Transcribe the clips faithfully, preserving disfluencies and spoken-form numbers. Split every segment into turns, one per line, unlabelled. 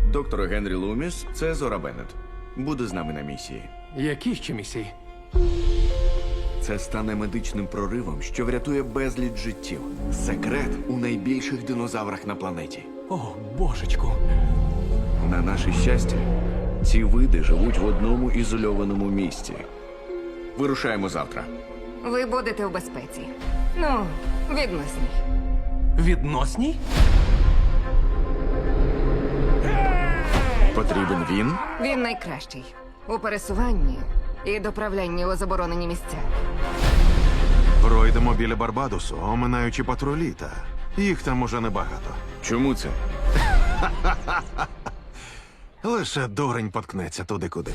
Доктор Генрі Луміс, це Зора Беннет. Буде з нами на місії.
Які ще місії?
Це стане медичним проривом, що врятує безліч життів. Секрет у найбільших динозаврах на планеті.
О, божечку.
На наше щастя, ці види живуть в одному ізольованому місці. Вирушаємо завтра.
Ви будете у безпеці. Ну, відносній.
Відносній?
Потрібен він?
Він найкращий у пересуванні і доправлянні у заборонені місця.
Пройдемо біля Барбадосу, оминаючи патрулі, та їх там уже небагато.
Чому це?
Лише дурень поткнеться туди, куди.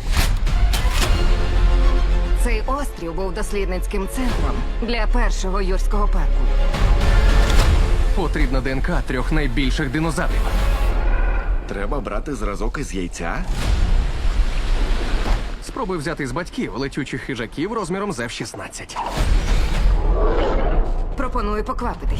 Цей острів був дослідницьким центром для першого юрського парку.
Потрібна ДНК трьох найбільших динозаврів.
Треба брати зразок із яйця?
Спробуй взяти з батьків летючих хижаків розміром з еф шістнадцять.
Пропоную поквапитись.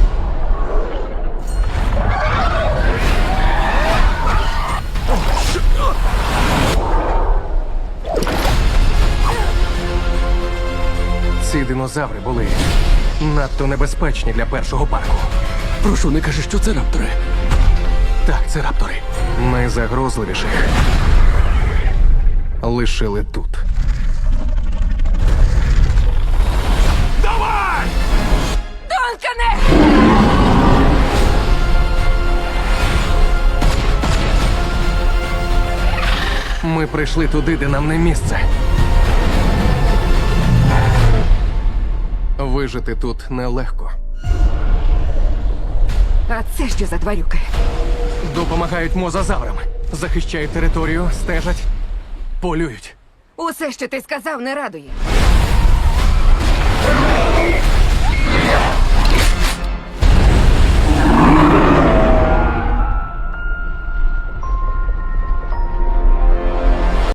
Ці динозаври були надто небезпечні для першого парку.
Прошу, не кажи, що це раптори.
Так, це раптори. Найзагрозливіших лишили тут.
Донкане!
Ми прийшли туди, де нам не місце. Вижити тут нелегко.
А це що за тварюки?
Допомагають мозазаврам. Захищають територію, стежать, полюють.
Усе, що ти сказав, не радує.